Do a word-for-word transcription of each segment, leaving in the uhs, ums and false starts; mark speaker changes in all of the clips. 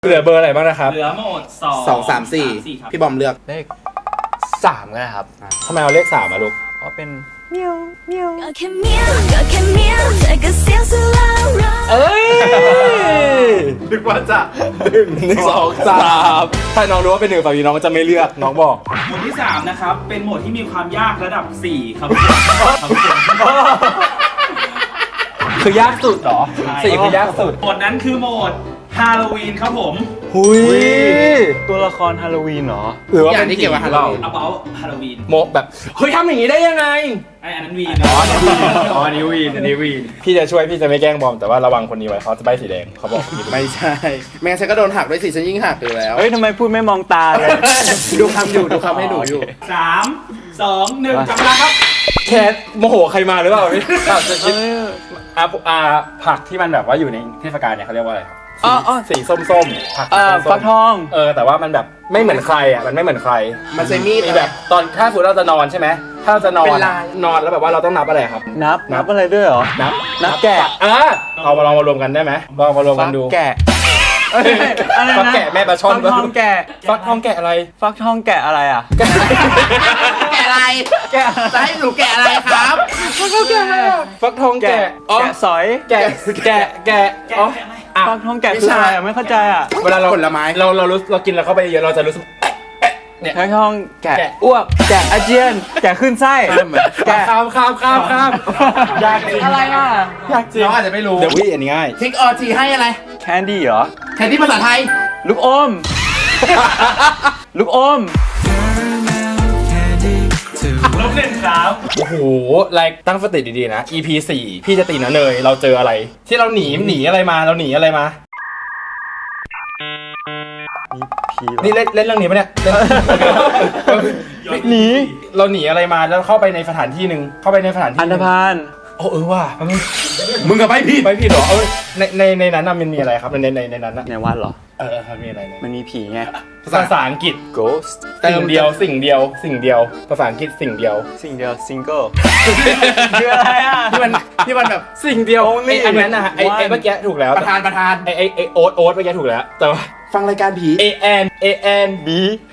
Speaker 1: เหลือเบอร์อะไรบ้างนะครับ
Speaker 2: เหลือหมดสอง
Speaker 3: สองสามสี่พี่บอมเลือก
Speaker 4: เลขสามก็ได้ครับ
Speaker 1: ทำไมเอาเลขสามมาลูก
Speaker 4: เพราะเป็นเมียวเมียว
Speaker 5: ก็แค่เมียวก็แค่เมียวเธอก็เสียงสุดแล้วรัก
Speaker 1: เอ้ย
Speaker 3: นึกว่าจะ
Speaker 1: หนึ่งหนึ่งสองสามถ้าน้องรู้ว่าเป็นหนึ่งฝั่งนี้น้องจะไม่เลือกน้องบอก
Speaker 2: หมวดที่สามนะครับเป็นหมวดที่มีความยากระดับสี่ครับ
Speaker 1: คือยากสุดเหรอสี่คือยากสุด
Speaker 2: หมวดนั้นคือหมวดฮาโลวีนครับผม
Speaker 1: หุย
Speaker 4: ตัวละครฮาโลวีนเหรอ
Speaker 1: หรือว่า
Speaker 3: อย่างที่เกี่ยวกับฮาโลวีน
Speaker 2: about ฮาโลวีน
Speaker 1: โมแบบเฮ้ยทำอย่างนี้ได้ยังไง
Speaker 2: ไออันนั้นวีน
Speaker 1: อ๋ออ๋อนิวีนนิวีนพี่จะช่วยพี่จะไม่แกล้งบอมแต่ว่าระวังคนนี้ไว้เขาจะใบสีแดงเขาบอก
Speaker 3: ไม่ใช่แม่ฉันก็โดนหักด้วยสิฉันยิ่งหักอยู่แล้ว
Speaker 4: เฮ้ยทำไมพูดไม่มองตาเลย
Speaker 3: ดูคำอยู่ดูคำให้หนูอยู่
Speaker 2: สามสองหนึ่งจับเวลาครับ
Speaker 1: แคทโมโหใครมาหรือเปล่าพี่จะคิดอ่าอ่าผักที่มันแบบว่าอยู่ในเทศกาลเนี่ยเขาเรียกว่าอะไรครับ
Speaker 4: อ๋ออ๋อ
Speaker 1: สีส้มๆผัก
Speaker 4: เอ่อ
Speaker 1: ส้มๆ
Speaker 4: ฟักทอง
Speaker 1: เออแต่ว่ามันแบบไม่เหมือนใครอ่ะมันไม่เหมือนใคร
Speaker 3: มันใช้มีด
Speaker 1: มีแบบตอนถ้าสมมติเราจะนอนใช่ไหมถ้าเราจะนอน
Speaker 3: เป็นลาย
Speaker 1: นอนแล้วแบบว่าเราต้องนับอะไรครับ
Speaker 4: นับนับอะไรด้วยเหรอ
Speaker 1: นับ
Speaker 4: นับแกะ
Speaker 1: เออเอามาลองมารวมกันได้ไหมลองมารวม
Speaker 4: ฟั
Speaker 1: กั
Speaker 4: ก
Speaker 1: นดู
Speaker 4: แกะเอ้ยอะไรนะ
Speaker 1: ฟักแกะแม่ปลาช่อน
Speaker 4: ฟักทองแกะ
Speaker 1: ฟักทองแกะอะไร
Speaker 4: ฟักทองแกะอะไรอ่ะ
Speaker 3: แกะอะไร
Speaker 4: แกะ
Speaker 3: จะให้หนูแกะอะไรครับ
Speaker 1: ฟักทองแกะอะไรอะฟักทองแกะอ๋อ
Speaker 4: แกะสอย
Speaker 1: แกะแกะแกะอ๋ออ่ะ
Speaker 4: ฟักทองแกะคืออะไรอ่ะไม่เข้าใจอ่ะ
Speaker 1: เวลาเรา
Speaker 3: ผลไม้
Speaker 1: เราเรารู้เรากินแล้วเข้าไปเยอะเราจะรู้สึกเนี่ย
Speaker 4: ฟักทองแกะ
Speaker 1: แกะ
Speaker 4: อ้วกแกะอาเจียนแกะขึ้นไส้แกะ
Speaker 1: ข้ามข้ามข้ามข้ามยากจริง
Speaker 4: อะไรอ่ะ
Speaker 1: ยากจริง
Speaker 3: น้องอาจจะไม่รู้
Speaker 1: เดี๋ยววิอันนี้ง่าย
Speaker 3: ทิกออทีให้อะไร
Speaker 4: แคนดี้เหรอ
Speaker 3: แทนที่ภาษาไทย
Speaker 4: ลูกอม ลูกอม
Speaker 2: ลบหนึ่งครับ
Speaker 1: โอ้โหไลค์ตั้งสติดีๆนะ อี พี สี่พี่จะตีนะเนยเราเจออะไร ที่เราหนีหนีอะไรมาเราหนีอะไรมา
Speaker 4: ผีเหรอ
Speaker 1: นี่เล่นเล่นเรื่องนี้ปะเนี่ยเล่น
Speaker 4: หนี
Speaker 1: เราหนีอะไรมาแล้วเข้าไปในสถานที่หนึ่งเข้าไปในสถานที่
Speaker 4: อันธพาล
Speaker 1: โอ้เออว่ะมัน
Speaker 3: มึงกับไปผิด
Speaker 1: ไม่ผิดหรอเออในในในนั้นน่ะมันมีอะไรครับในในในนั้นน่ะ
Speaker 4: ในวัดเหรอ
Speaker 1: เออมันมีอะไรเนี่ย
Speaker 4: มันมีผีไง
Speaker 1: ภาษาอังกฤษ
Speaker 4: ghost
Speaker 1: สิ่งเดียวสิ่งเดียวสิ่งเดียวภาษาอังกฤษสิ่งเดียว
Speaker 4: สิ่งเดียว single คืออะไรอ่ะ
Speaker 3: ที่มันที่มันแบบ
Speaker 1: สิ่งเดียว
Speaker 4: Only
Speaker 1: ไออันนั้นนะไอไอ
Speaker 4: one
Speaker 1: เมื่อกี้ถูกแล้ว
Speaker 3: ประธานประธาน
Speaker 1: ไอไอไอโอ๊ตโอ๊ตเมื่อกี้ถูกแล้วแต่ว่า
Speaker 3: ฟังรายการผี
Speaker 1: A N A N
Speaker 4: B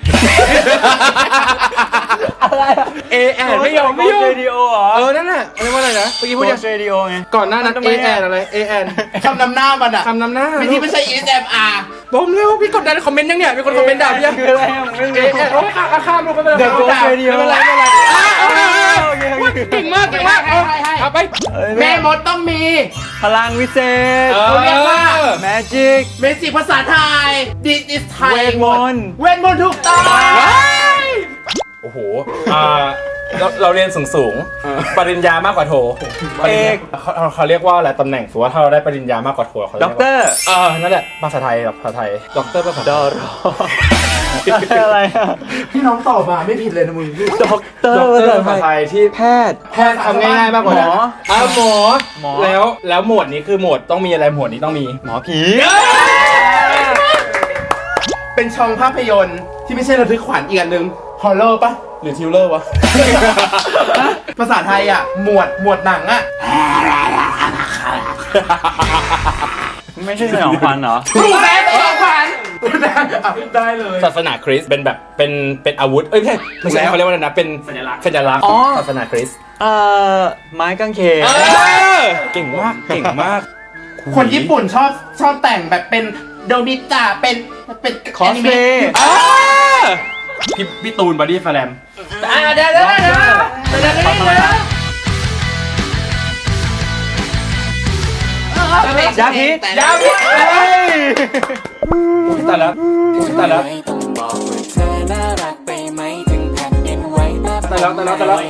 Speaker 1: อะไรเอแอนไม่ยอมไม่ยอม
Speaker 4: เรดิโอเหรอ
Speaker 1: เออนั่นน่ะเรียกว่าอะไรนะเมื่อกี้พูดยัง
Speaker 4: เรดิโอไง
Speaker 1: ก่อนหน้านั้น
Speaker 4: ทำ
Speaker 1: เอ
Speaker 4: ไม
Speaker 1: แอ
Speaker 4: อะ
Speaker 1: นอะไรเอแอน
Speaker 3: คำนำหน้ามันอะ
Speaker 1: คำนำหน้า
Speaker 3: ไม่ที่ไม่ใช่ เอส เอ็ม อาร์
Speaker 1: บอมเร็วพี่กดดันคอมเมนต์ยังเนี่ยมีคนคอมเมนต์ด่าพี่ยัง
Speaker 4: คืออะไรอ่ะไม่
Speaker 1: เอ
Speaker 4: รู้
Speaker 1: แอนโอ้ยข้ามข้ามลงไปเลย
Speaker 4: The Ghost Radio
Speaker 1: ไม่เป็นไรไม่เป็นไรอ่ะเอาเอาเอา
Speaker 4: โอเคโอเค
Speaker 1: เก่งมากเก่งมากเอาเอาไป
Speaker 4: เอ้ย
Speaker 3: แม่มดต้องมี
Speaker 4: พลังวิเศษ
Speaker 3: เขาเรียกว่า
Speaker 4: magic
Speaker 3: เมจิภาษาไทย This is Thai
Speaker 4: เวทมนต์
Speaker 3: เวทมนต์ถูกต้อง
Speaker 1: โอ้โหอ่าเราเราเรียนสูงสูงๆปริญญามากกว่าโทปริญญาเขาเขาเขาเรียกว่าอะไรตำแหน่งสมมติว่าถ้าเราได้ปริญญามากกว่าโทเขาเรีย
Speaker 4: ด็
Speaker 1: ก
Speaker 4: อก
Speaker 1: ว่า
Speaker 4: เตอร์
Speaker 1: เออนั่นแหละภาษาไทยแบบภาษาไทยด็อกเตอร์ภาษา
Speaker 4: ดอรออะไรอ่ะ
Speaker 3: พี่น้องตอบมาไม่ผิดเลยนะมึง
Speaker 4: ด็อกเตอร์
Speaker 1: ด็อกเตอร์ภาษาไทยที่
Speaker 4: แพทย์
Speaker 1: แพทย์ทำง่ายๆมากกว่านั้น
Speaker 4: หมอ
Speaker 1: อ่ะหมอ
Speaker 4: หมอ
Speaker 1: แล้วแล้วหมวดนี้คือหมวดต้องมีอะไรหมวดนี้ต้องมี
Speaker 4: หมอผี
Speaker 3: เป็นช่องภาพยนตร์ที่ไม่ใช่ระทึกขวัญอีกอันหนึ่งฮอลเลอร์ปะหรือทิวเลอร์วะ ภาษาไทยอ่ะ หมวดหมวดหนังอ่ะ
Speaker 4: ไม่ใช่สยองขวัญเหรอ
Speaker 3: ถูกแล้วสยองขวัญได้เลย
Speaker 1: ศาสนาคริสต์เป็นแบบเป็นเป็นอาวุธเอ้ยไม่ใช่ไม่ใช่เขาเรียกว่าอะไรนะเป็น
Speaker 2: สัญลักษณ์
Speaker 1: สัญลักษณ์
Speaker 4: อ๋อ
Speaker 1: ศาสนาคริสต์
Speaker 4: เอ่อไม้กางเขน
Speaker 1: เออเก่งมากเก่งมาก
Speaker 3: คนญี่ปุ่นชอบชอบแต่งแบบเป็นโดมิตะเป็นเป็น
Speaker 4: คอสเพลย์
Speaker 1: อ่าพี่พี่ตูนบอดี้แฟลม
Speaker 3: อ่าเดี๋ยวเดี๋ยวเดี๋ยวเดี๋ยวเดี๋ยวเดี๋ยวเดี๋ยว
Speaker 4: ยาพิษ
Speaker 3: ยาพิษ
Speaker 4: เฮ้ย
Speaker 1: แต่ละแต่ละ
Speaker 6: ไม่ต้องบอกว่าเธอน่ารักไปไหมถึงแผ่นดินไหวแบบ
Speaker 1: แต่ละแต่ละแต่ละ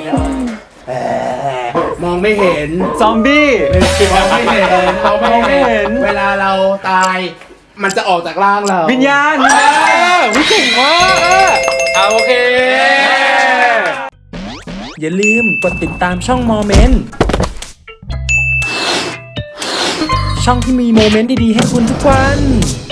Speaker 3: มองไม่เห็น
Speaker 4: ซอมบี้
Speaker 3: มองไม่เห็นมอง
Speaker 4: มองไม่เห็น
Speaker 3: เวลาเราตาย มันจะออกจากร่างเรา
Speaker 4: วิญญาณ
Speaker 1: เออวิเก่งมากอ่ะเอาโอเค อย่าลืมกดติดตามช่องโมเมนต์ช่องที่มีโมเมนต์ดีๆให้คุณทุกวัน